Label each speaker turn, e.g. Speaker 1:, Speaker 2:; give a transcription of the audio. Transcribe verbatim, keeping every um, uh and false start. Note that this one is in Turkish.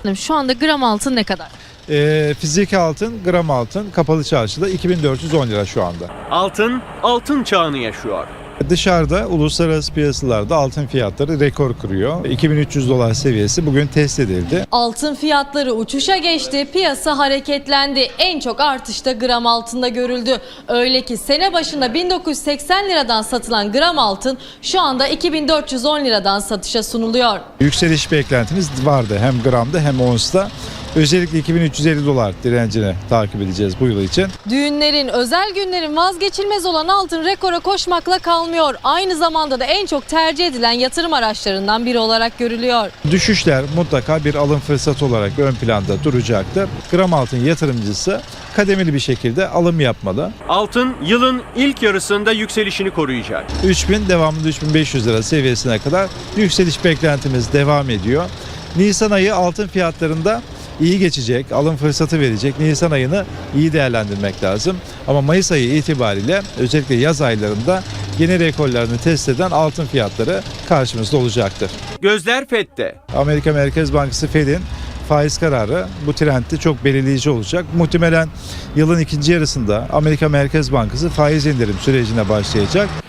Speaker 1: Şu anda gram altın ne kadar?
Speaker 2: E, fiziki altın, gram altın kapalı çarşıda iki bin dört yüz on lira şu anda.
Speaker 3: Altın, altın çağını yaşıyor.
Speaker 2: Dışarıda uluslararası piyasalarda altın fiyatları rekor kırıyor. iki bin üç yüz dolar seviyesi bugün test edildi.
Speaker 4: Altın fiyatları uçuşa geçti, piyasa hareketlendi. En çok artış da gram altında görüldü. Öyle ki sene başında bin dokuz yüz seksen liradan satılan gram altın şu anda iki bin dört yüz on liradan satışa sunuluyor.
Speaker 2: Yükseliş beklentimiz vardı hem gramda hem onsta. Özellikle iki bin üç yüz elli dolar direncini takip edeceğiz bu yıl için.
Speaker 4: Düğünlerin, özel günlerin vazgeçilmez olan altın rekora koşmakla kalmıyor. Aynı zamanda da en çok tercih edilen yatırım araçlarından biri olarak görülüyor.
Speaker 2: Düşüşler mutlaka bir alım fırsatı olarak ön planda duracaktır. Gram altın yatırımcısı kademeli bir şekilde alım yapmalı.
Speaker 3: Altın yılın ilk yarısında yükselişini koruyacak.
Speaker 2: üç bin devamında üç bin beş yüz lira seviyesine kadar yükseliş beklentimiz devam ediyor. Nisan ayı altın fiyatlarında iyi geçecek, alım fırsatı verecek. Nisan ayını iyi değerlendirmek lazım. Ama Mayıs ayı itibariyle özellikle yaz aylarında yeni rekorlarını test eden altın fiyatları karşımızda olacaktır.
Speaker 3: Gözler F E D'de.
Speaker 2: Amerika Merkez Bankası Fed'in faiz kararı bu trendde çok belirleyici olacak. Muhtemelen yılın ikinci yarısında Amerika Merkez Bankası faiz indirim sürecine başlayacak.